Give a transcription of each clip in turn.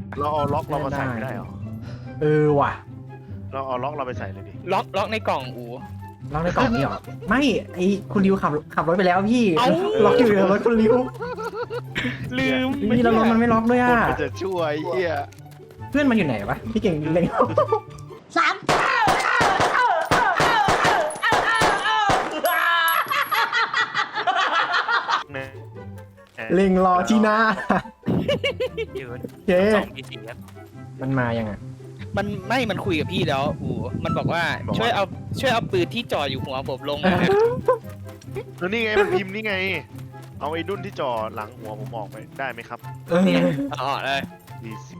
เราเอาล็อกเรามาใส่ไม่ได้หรอเออว่ะเราเอาล็อกเราไปใส่เลยดิล็อกในกล่องอูล็อกในกล่องนี่หรอไม่ไอคุณริวขับรถไปแล้วพี่เอ้าล็อกอยู่ในรถคุณริวลืมพี่แล้วรถมันไม่ล็อกด้วยคนอ่ะมันจะช่วยเฮียเพื่อนมันอยู่ไหนวะพี่เก่งเล็งเนี่ยเล็งรอที่หน้ายืนโอเคสองทีสี่ครับมันมายังไงมันคุยกับพี่แล้วอูมันบอกว่าช่วยเอาปืนที่จ่ออยู่หัวผมลงมาแล้วนี่ไงมันพิมพ์นี่ไง เอาไอ้ดุ้นที่จ่อหลังหัวผมออกไปได้ไหมครับเอออ๋อเลยดีสิ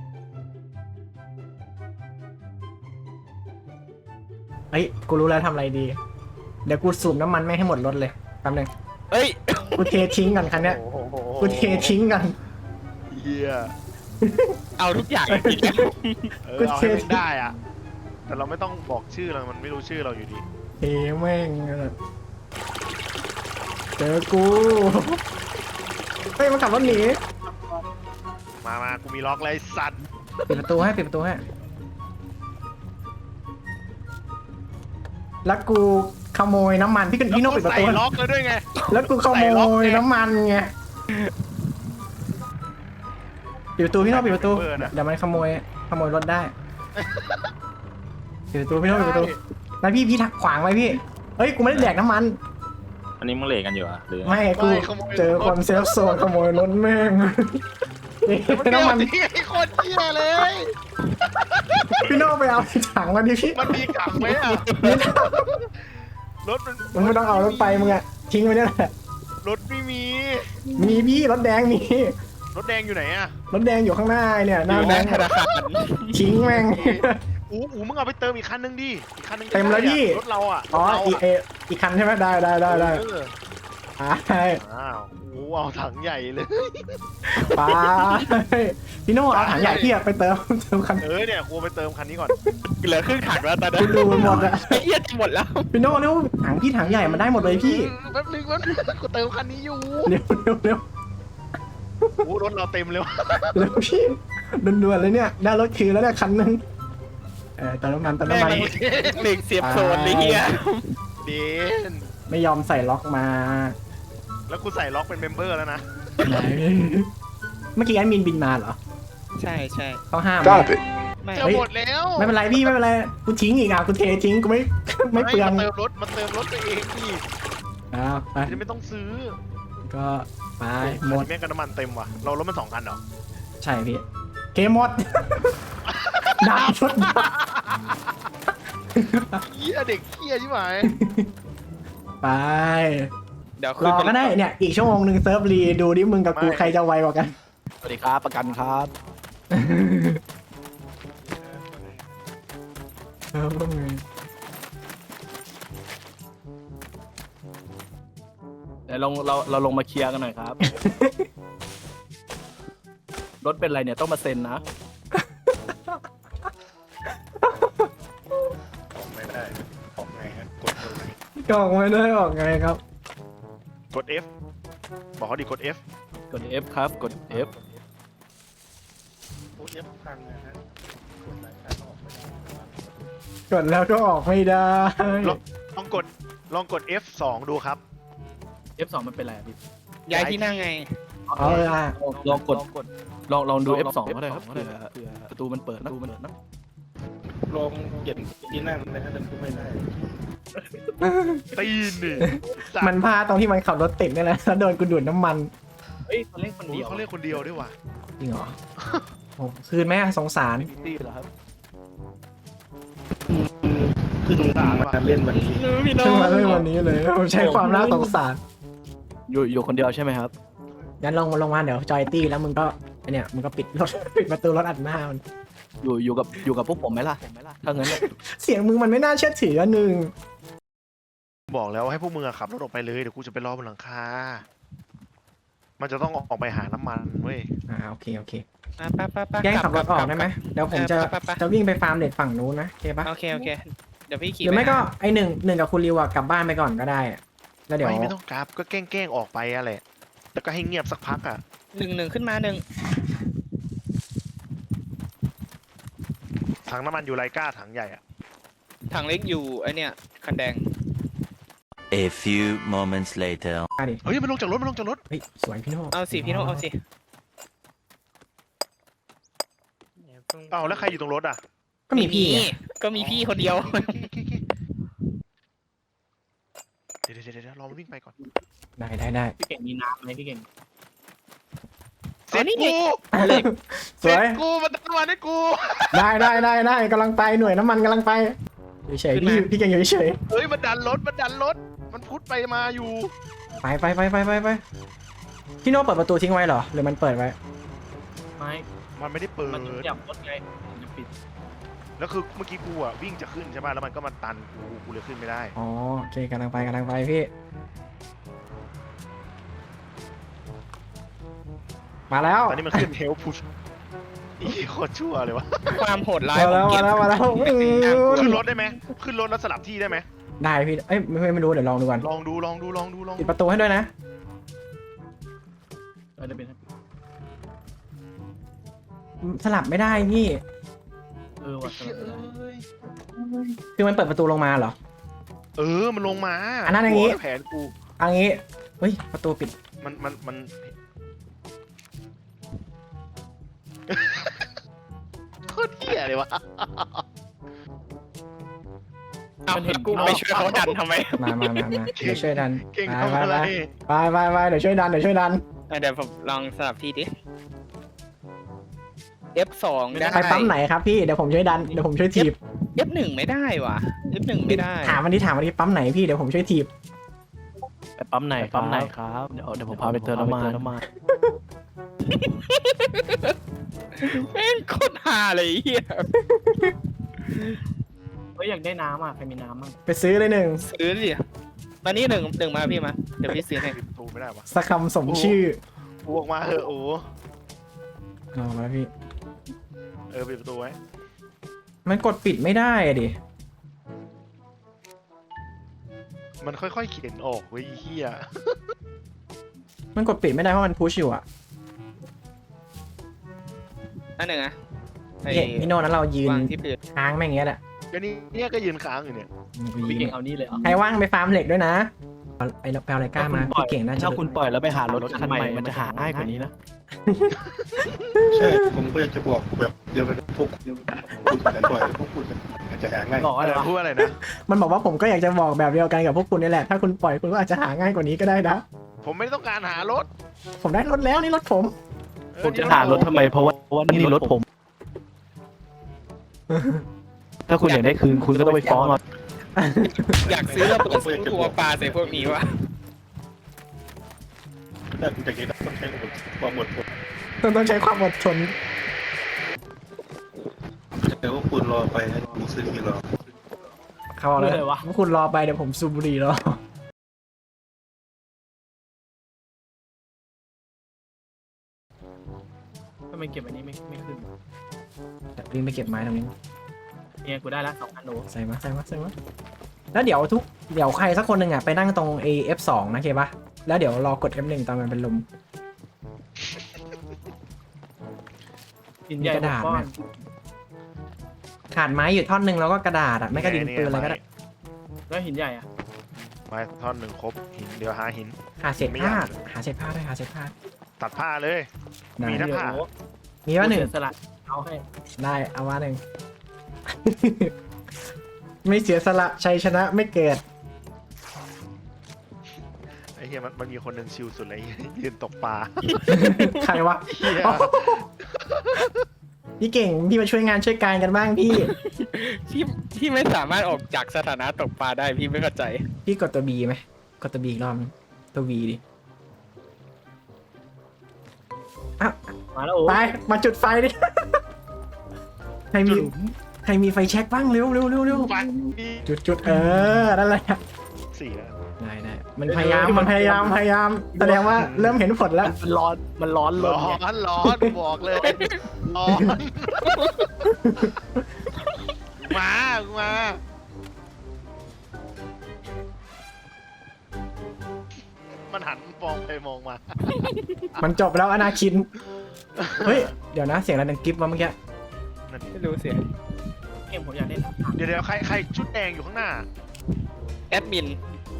เฮ้ยกูรู้แล้วทำอะไรดี เดี๋ยวกูสูบน้ำมันไม่ให้หมดรถเลยแป๊บนึงเอ้ยกูเททิ้งกันคันเนี้ยโอ้โหกูเททิ้งกันเฮียเอาทุกอย่างจริงเอาให้มันได้อะแต่เราไม่ต้องบอกชื่อเรามันไม่รู้ชื่อเราอยู่ดีเทแม่งเจอกูเฮ้ยมันขับรถหนีมากูมีล็อกเลยไอ้สัตว์ปิดประตูให้แล้วกูขโมยน้ำมันพี่โน่ปิดประตูใส่ล็อกแล้วด้วยไงแล้วกูขโมใส่ล็อกยไงน้ำมันไงปิดประตูพี่โน่ปิดประตูเปิดนะเดี๋ยวมันขโมยรถได้ปิดประตูพี่โน่ปิดประตูแล้วพี่ถักขวางไว้พี่เฮ้ยกูไม่ได้แดกน้ำมันอันนี้มึงเหลกกันอยู่เหรอ่ะหรือไม่กูเจอคนเซฟโซนขโมยรถแม่งมันน้ำมันทิ้งไอ้คนเฮียเลยพี่โน่ไปเอาถังมาดิพี่มันมีกลับไหมอะรถมันมึงไม่ต้องเอารถไปมึงอะทิ้งไว้เนี่ยแหละรถไม่มีมีพี่รถแดงมีรถแดงอยู่ไหนอะรถแดงอยู่ข้างหน้าเนี่ยหน้าแบงค์ธนาคารทิ้งแม่งอูมึงเอาไปเติมอีกคันนึงดิอีกคันนึงเต็มแล้วพี่รถเราอะอ๋อรถเราอีอะอีกคันใช่ไหมได้เออไปอ้าวอูเอาถังใหญ่เลยไปพี่โน่เอาถังใหญ่พี่อะไปเติมคันเนี่ยกูไปเติมคันนี้ก่อนเหลือครึ่งถังแล้วตอนนี้กูดูมันหมดอะไอ้เหี้ยจะหมดแล้วพี่โน่เร็วถังพี่ถังใหญ่มันได้หมดเลยพี่แป๊บนึงกูเติมคันนี้อยู่เร็วอูรถเราเต็มเร็วเร็วพี่ด่วนๆเลยเนี่ยได้รถคืนแล้วเนี่ยคันนึงเติมน้ำมันแม่งมันหนึ่งเสียบโซนเลยเฮียเดนไม่ยอมใส่ล็อกมาแล้วกูใส่ล็อกเป็นเมมเบอร์แล้วนะไหนเมื่อกี้แอดมินบินมาเหรอใช่เขาห้ามไม่จะหมดแล้วไม่เป็นไรพี่ไม่เป็นไรกูทิ้งอีกอ่ะกูเททิ้งกูไม่ไม่เปลืองมาเติมรถไปเองดิอ้าวไปจะไม่ต้องซื้อก็ไปหมดแม่งกันน้ำมันเต็มว่ะเรารถมัน2 คันเหรอใช่พี่เกมหมด ดาบรถดับเหี้ยเด็กเหี้ยใช่ไหมไปเดี๋ยวรอก็ได้เนี่ยอีกชั่วโมงหนึ่งเซิร์ฟรีดูดิมึงกับกูใครจะไวกว่ากันสวัสดีครับประกันครับเออพวกมึงเดี๋ยวเราลงมาเคลียร์กันหน่อยครับ รถเป็นไรเนี่ยต้องมาเซ็นนะออกไม่ได้ออกไงฮะกดตรงไหนก็ออกไม่ได้ออกไงครับกด F บอกเขาดิกด F กด F ครับกด F กด F พังนะฮะกดหลายครั้งออกไม่ได้กดแล้วก็ออกไม่ได้ลองกด F2 ดูครับ F2 มันเป็นไรอะพี่ย้ายที่นั่งไงเอาละลองกดลองดู F2 ก็ได้ครับเผื่อประตูมันเปิดนะลงเก็บที่นั่งนะฮะแต่กูไม่ได้ตีนดิมันพลาดตรงที่มันขับรถติดนี่แหละแล้วโดนกูดูดน้ำมันเฮ้ยเขาเล่นคนโอ้เดียยวเขาเรียกคนเดียวด้วยว่ะจริงเหรอโอ้คืนไหมอะสงสารพิตตี้เหรอครับคือสงสารการเล่นวันนี้พี่น้อขึ้นงมาเลยวันนี้เลยผมใช้ความน่าสงสารอยู่คนเดียวใช่ไหมครับงั้นลงมาเดี๋ยวจอยตี้แล้วมึงก็ไอ้เนี่ยมึงก็ปิดรถ ปิดประตูรถอัดหน้ามันอยู่กับพวกผมไหมล่ะถ้างั้นเนี่ยเสียงมึงมันไม่น่าเชื่อถืออันหนึ่งบอกแล้วให้พวกมึงอะขับรถออกไปเลยเดี๋ยวกูจะไปรอบนหลังคา มันจะต้องออกไปหาน้ำมันเว้ยโอเคไปแกล้งขับรถออกได้ไหมเดี๋ยวผมจะวิ่งไปฟาร์มเด็ดฝั่งนู้นนะโอเคปะโอเคเดี๋ยวพี่ขี่หรือไม่ก็ไอหนึ่งกับคุณริวอะกลับบ้านไปก่อนก็ได้อะแล้วเดี๋ยวไม่ต้องกราฟก็แกล้งออกไปอะแหละแต่ก็ให้เงียบสักพักอะหนึ่งขึ้นมาหนึ่งถังน้ำมันอยู่ไรก้าถังใหญ่อะถังเล็กอยู่ไอเนี่ยคันแดง A few moments later. มาดิเฮ้ยมันลงจากรถมันลงจากรถเฮ้ยสวยพี่โน่เอาสิพี่โนเอาสิเอ้าแล้วใครอยู่ตรงรถอ่ะก็มีพี่ไงก็มีพี่คนเดียวเดี๋ยวรอมันวิ่งไปก่อนได้พี่เก่งมีน้ำไหมพี่เก่งเสร็จกูสวยกูมันตั้งวันให้กูได้กำลังไปหน่วยน้ำมันกำลังไปเฉยๆพี่เก่งอยู่เฉยเฮ้ยมันดันรถมันพุทไปมาอยู่ๆไปพี่โน่เปิดประตูทิ้งไว้เหรอหรือมันเปิดไว้ไม่มันไม่ได้เปิดมันจะรถไงมันจะปิดแล้วคือเมื่อกี้กูอ่ะวิ่งจะขึ้นใช่ป่ะแล้วมันก็มาตันกูเลยขึ้นไม่ได้อ๋อโอเคกำลังไปพี่มาแล้วตอนนี้มันขึ้นเฮลพุชอีโคตรชั่วเลยวะความโหดร้ายมาแล้วผมเก็บมาแล้วขึ้นรถได้ไหมขึ้นรถแล้วสลับที่ได้ไหมได้พี่เอ้ยไม่รู้เดี๋ยวลองดูก่อนลองดูปิดประตูให้ด้วยนะจะเป็นสลับไม่ได้พี่ว่ะคือมันเปิดประตูลงมาเหรอมันลงมาอันนั้นอย่างงี้แผนกูเอันนี้เฮ้ยประตูปิดมัน โคตรเหี้ยเลยวะเอากูไปช่วยเขาดันทำไมมาเดี๋ยวช่วยดันเก่งทำอะไรไปเดี๋ยวช่วยดันเดี๋ยวผมลองสลับที่ดิ F2 ได้ไปปั๊มไหนครับพี่เดี๋ยวผมช่วยดันเดี๋ยวผมช่วยถีบ F1 ไม่ได้ว่ะ F1 ไม่ได้ถามวันนี้ปั๊มไหนพี่เดี๋ยวผมช่วยถีบไปปั๊มไหนครับเดี๋ยวผมพาไปเติมน้ำมันแม่งโคตรฮาเลยไอ้เฮียอยากได้น้ำอ่ะใครมีน้ำบ้างไปซื้อเลยหนึ่งซื้อสิมานี่หนึ่งมาพี่มาเดี๋ยวพี่ซื้อให้ปิดประตูไม่ได้วะสักคำสมชื่อกูออกมาเถอะโอ้เอามาพี่ปิดประตูไว้มันกดปิดไม่ได้อะดิมันค่อยๆเขียนออกเว้ยไอ้เหี้ยมันกดปิดไม่ได้เพราะมันพุชอยู่อ่ะอันหนึ่งอะไอ้พี่โน่นั้นเรายืนวางที่พื้นค้างแม่งอย่างเงี้ยแหละก็เนี่ยก็ยืนค้างอยู่เนี่ยพี่เก่งเอานี่เลยเหรอใครว่างไปฟาร์มเหล็กด้วยนะไอ้แปลอะไรกล้ามาพี่เก่งน่าจะถ้าคุณปล่อยแล้วไปหารถคันใหม่มันจะหาง่ายกว่านี้นะใช่ผมก็อยากจะบอกแบบเดียวกันพวกคุณแต่ปล่อยพวกคุณอาจจะหาง่ายบอกอะไรวะพูดอะไรนะมันบอกว่าผมก็อยากจะบอกแบบเดียวกันกับพวกคุณนี่แหละถ้าคุณปล่อยคุณก็อาจจะหาง่ายกว่านี้ก็ได้นะผมไม่ต้องการหารถผมได้รถแล้วนี่รถผมผมจะหารถทำไมเพราะว่านี่รถผม ถ้าคุณอยากได้คืนคุณก็ต้องไปฟ้องเอาอยากซื้อระเบิดสู้ตัวปลาใส่พวกนี้ว่ะแต่จากนี้ต้องใช้ความอดทนต้องใช้ความอดทนแต่ว่าคุณรอไปนะดูซื้อที่รอเขาบอกเลยว่าคุณรอไปเดี๋ยวผมสูบบุหรี่รอทำไมเก็บอันนี้ไม่ขึ้นแต่วิ่งไปเก็บไม้ตรงนี้เนี่ยกูได้ละ2,000โลใส่มาแล้วเดี๋ยวใครสักคนหนึ่งอ่ะไปนั่งตรง F2 นะเคปะแล้วเดี๋ยวรอกด F1 ตอนมันเป็นลมหินใหญ่กระดาษก้อนนะ ขาดไม้อยู่ท่อนหนึ่งแล้วก็กระดาษอ่ะไม่ก็ดินปืนอะไรก็ได้แล้วหินใหญ่อ่ะไม้ท่อนหนึ่งครบหินเดี๋ยวหาหินหาเศษผ้าด้วยหาเศษผ้าตัดผ้าเลย มีได้นะผ้ามีว่าหนึ่งสลัดเอาให้ได้เอาว่าหนึ่ง ไม่เสียสละชัยชนะไม่เกิดไอ้เหี้ยมันมีคนหนึ่งชิลสุดเลยยืนตกปลาใครวะเหี้ยพี่เก่งพี่มาช่วยงานช่วยการกันบ้างพี่ที่ไม่สามารถออกจากสถานะตกปลาได้พี่ไม่เข้าใจพี่กดตัว B ไหมกดตัว B อีกรอบนึงตัว V ดิอ้าวมาแล้วโอ้ไปมาจุดไฟดิ ใครมีไฟแช็กบ้างเร็วไปจุดนั่นแหละสี่แล้วได้มันพยายามแสดงว่าเริ่มเห็นผลแล้วมันร้อนร้อนบอกเลยร้อนมามันหันมองไปมองมามันจบแล้วอนาคิน เฮ้ย เดี๋ยวนะเสียงอะไรดังกริ๊บวะเมื่อกี้ไม่รู้สิเกมผมอยากเล่นเดี๋ยวใครชุดแดงอยู่ข้างหน้าแอดมิน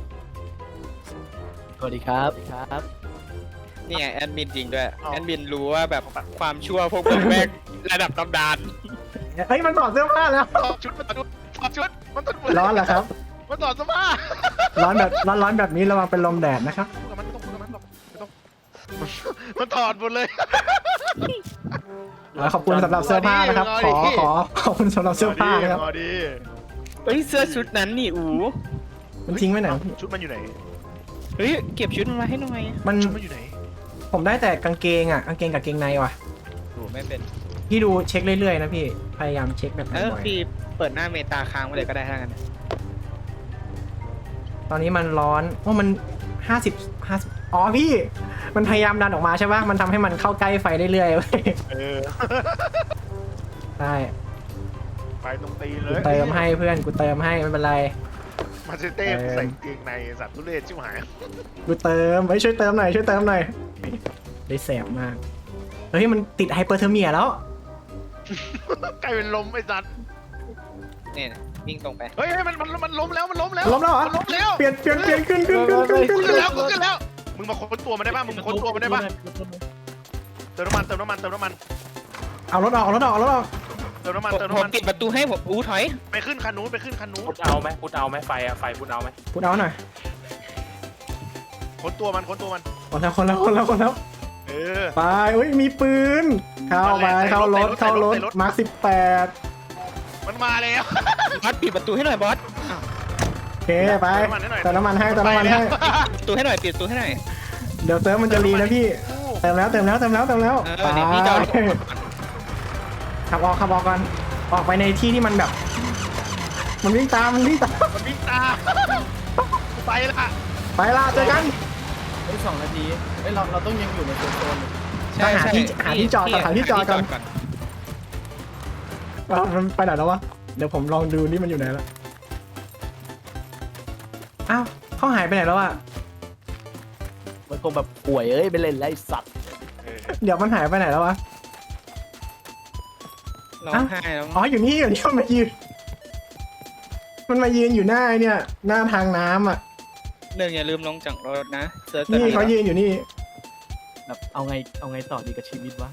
สวัสดีครับนี่ไงแอดมินจริงด้วยแอดมินรู้ว่าแบบความชั่วพวกมึงแม่งระดับตำนานเฮ้ยมันถอดเสื้อผ้าแล้วถอดชุดมันถอดชุดมันถอดร้อนเหรอครับมันถอดเสื้อผ้าร้อนแบบนี้ระวังเป็นลมแดดนะครับพูดกับมันไม่ต้องพูดกับมันหรอกไม่ต้องมันถอดหมดเลยขอบคุณสำหรับเสื้อผ้านะครับ ขอบคุณสำหรับเสื้อผ้านะครับมาดีเฮ้ยเสื้อชุดนั้นนี่อูมันทิ้งไว้ไหนวะพี่ชุดมันอยู่ไหนเฮ้ยเก็บชุดมันมาให้หน่อยมันชุดมันอยู่ไหนผมได้แต่กางเกงอ่ะกางเกงกับเกงในว่ะอูไม่เป็นพี่ดูเช็คเรื่อยๆนะพี่พยายามเช็คแบบเออบ่อยพี่เปิดหน้าเมตาค้างไว้เลยก็ได้ทั้งนั้นๆตอนนี้มันร้อนเพราะมัน50อ๋อพี่ มันพยายามดันออกมาใช่ปะมันทำให้มันเข้าใกล้ไฟได้เรื่อยๆเว้ยเออใช่ไปตรงตีนเลกูยเติมให้เพื่อนกูเติมให้ไม่เป็นไรมาเซเต้กูใส่กางเกงในสัตว์ทุเรศชิบหายกูเติมช่วยเติมหน่อยช่วยเติมหน่อยได้แสบมากเฮ้ยมันติดไฮเปอร์เทอร์เมียแล้วกลายเป็นลมไอ้สัตว์เนี่ยวิ่งตรงไปเฮ้ยมันล้มแล้วมันล้มแล้วล้มแล้วเหรอมันล้มแล้วเปลี่ยนขึ้นกูขึ้นแล้วมึงมาค้นตัวมันได้ป่ะมึงค้นตัวมันได้ป่ะเติมน้ำมันเอารถออกเติมน้ำมันผมปิดประตูให้ผมอูถอยไปขึ้นคันนู้นพุทธเอาไหมไฟพุทธเอาไหมพูดเอาหน่อยค้นตัวมันคนแล้วเออไปอุ้ยมีปืนเข้าไปเข้ารถมาร์ค18 มันมาแล้วบอสปิดประตูให้หน่อยบอสโอเคไปเติมน้ำมันให้ปิดประตูให้หน่อยปิดประตูให้หน่อยเดี๋ยวเติมมันจะรีนะพี่เติมแล้วไปเนี่ยพี่จอดขับออกก่อนออกไปในที่ที่มันแบบ มันวิ่งตามมันวิ่งตามไปละเจอกันเฮ้ย2 นาทีเฮ้ยเราต้องยังอยู่ในโซนอยู่ใช่หาที่จอดก่อน มันไปไหนแล้ววะเดี๋ยวผมลองดูนี่มันอยู่ไหนแล้วอ้าวเขาหายไปไหนแล้วอะมันคงแบบป่วยไปเล่นไรสัตว์เดี๋ยวมันหายไปไหนแล้ววะร้องไห้แล้วอ๋ออยู่นี่มันมายืนอยู่หน้าเนี่ยหน้าทางน้ำอ่ะหนึ่งอย่าลืมลงจากรถนะเซิร์ชนี่เขายืนอยู่นี่แบบเอาไงต่อดีกับชีวิตวะ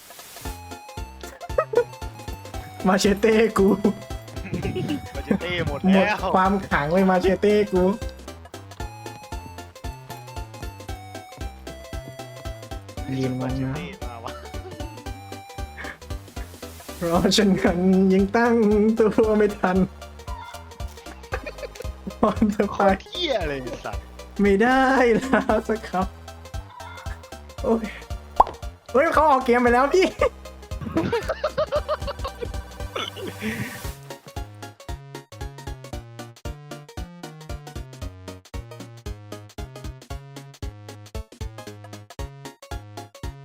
มาเชเต้กูมันจะเต้หมดหมดแล้วความขลังเลยมาเชเต้กูยืนมันนะเต้มาวะเพราะฉันกันยังตั้งตัวไม่ทันพอนเธอโคไปตรเที่ยเลยไอ้สัตว์ไม่ได้แล้วสักครับโอ้ยเฮ้ยเขาออกเกมไปแล้วพี่